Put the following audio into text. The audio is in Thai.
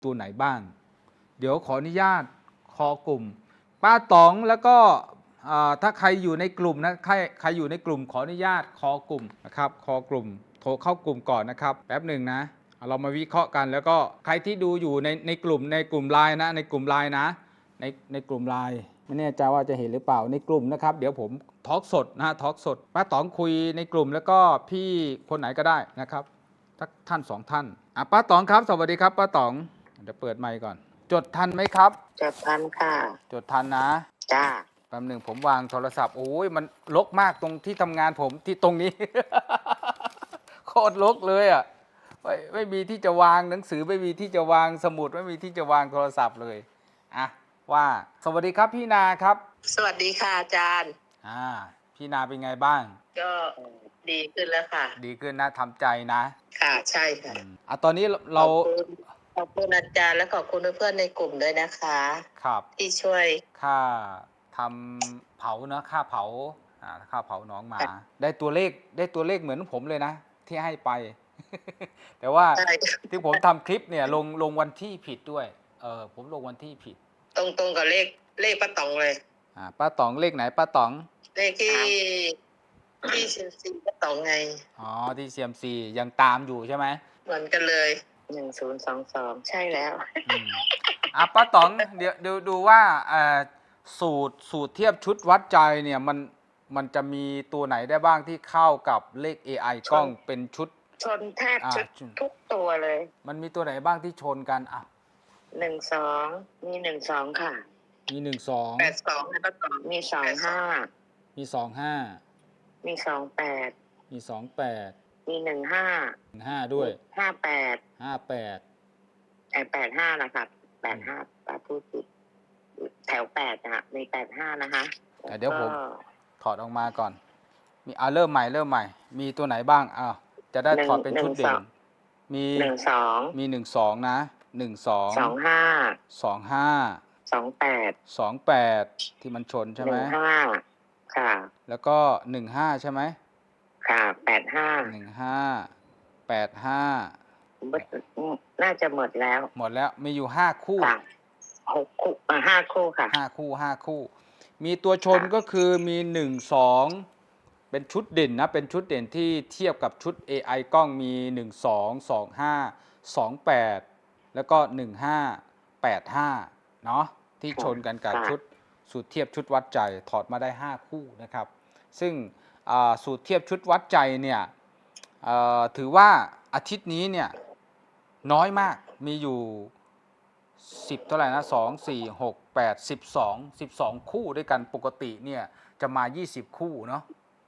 ตัวไหนบ้างเดี๋ยวขออนุญาตคอกลุ่มป้าต๋องแล้วก็ถ้าใครอยู่ในกลุ่มนะใครอยู่ในกลุ่มขออนุญาตคอกลุ่มนะครับคอกลุ่มโทรเข้ากลุ่มก่อนนะครับแป๊บหนึ่งนะเรามาวิเคราะห์กันแล้วก็ใครที่ดูอยู่ในกลุ่มไลน์นะในกลุ่มไลน์นะในกลุ่มไลน์ไม่แน่ใจว่าจะเห็นหรือเปล่าในกลุ่มนะครับเดี๋ยวผมทอล์กสดนะทอล์กสดป้าต๋องคุยในกลุ่มแล้วก็พี่คนไหนก็ได้นะครับสักท่าน2 ท่านป้าต๋องครับสวัสดีครับป้าต๋องเดี๋ยวเปิดไมค์ก่อนจดทันไหมครับจดทันค่ะจดทันนะจ้าแป๊บหนึ่งผมวางโทรศัพท์โอ้ยมันรกมากตรงที่ทำงานผมที่ตรงนี้ โคตรรกเลยอ่ะไม่มีที่จะวางหนังสือไม่มีที่จะวางสมุดไม่มีที่จะวางโทรศัพท์เลยอ่ะว่าสวัสดีครับพี่นาครับสวัสดีค่ะอาจารย์พี่นาเป็นไงบ้างก็ดีขึ้นแล้วค่ะดีขึ้นนะทำใจนะค่ะใช่ค่ะตอนนี้เราขอบคุณอาจารย์และขอบคุณเพื่อนๆในกลุ่มด้วยนะคะครับที่ช่วยค่าทำเผาเนาะค่าเผาค่าเผาน้องหมาได้ตัวเลขเหมือนผมเลยนะที่ให้ไป แต่ว่าที่ผมทำคลิปเนี่ยลงวันที่ผิดด้วยผมลงวันที่ผิดตรงกับเลขป้าต๋องเลยป้าต๋องเลขไหนป้าต๋องเลขที่เซียมซีป้าต๋องไงที่เซียมซียังตามอยู่ใช่ไหมเหมือนกันเลย1022ใช่แล้วป้าต๋องเดี๋ยวดูว่าสูตรเทียบชุดวัดใจเนี่ยมันจะมีตัวไหนได้บ้างที่เข้ากับเลข AI กล้องเป็นชุดชนแทบทุกตัวเลยมันมีตัวไหนบ้างที่ชนกัน 12มี12ค่ะมี12 82แล้วก็2มี25 มี25 มี28 มี28 มี15 ด้วย 58 85นะครับ85ป้าพูดผิดแถว8นะมี85นะคะเดี๋ยวผมถอดออกมาก่อนมีเริ่มใหม่มีตัวไหนบ้างจะได้ถอดเป็นชุดเด่นมี12นะ25 28ที่มันชนใช่ไหม 15ค่ะแล้วก็15ใช่ไหมค่ะ85น่าจะหมดแล้วมีอยู่5คู่ 6คู่5คู่ค่ะ 5คู่มีตัวชนก็คือมี12เป็นชุดเด่นนะเป็นชุดเด่นที่เทียบกับชุด AI กล้องมี12 25 28แล้วก็15 85เนาะที่ชนกันกับชุดสูตรเทียบชุดวัดใจถอดมาได้5คู่นะครับซึ่งสูตรเทียบชุดวัดใจเนี่ยถือว่าอาทิตย์นี้เนี่ยน้อยมากมีอยู่10เท่าไหร่นะ2 4 6 8 12คู่ด้วยกันปกติเนี่ยจะมา20คู่เนาะ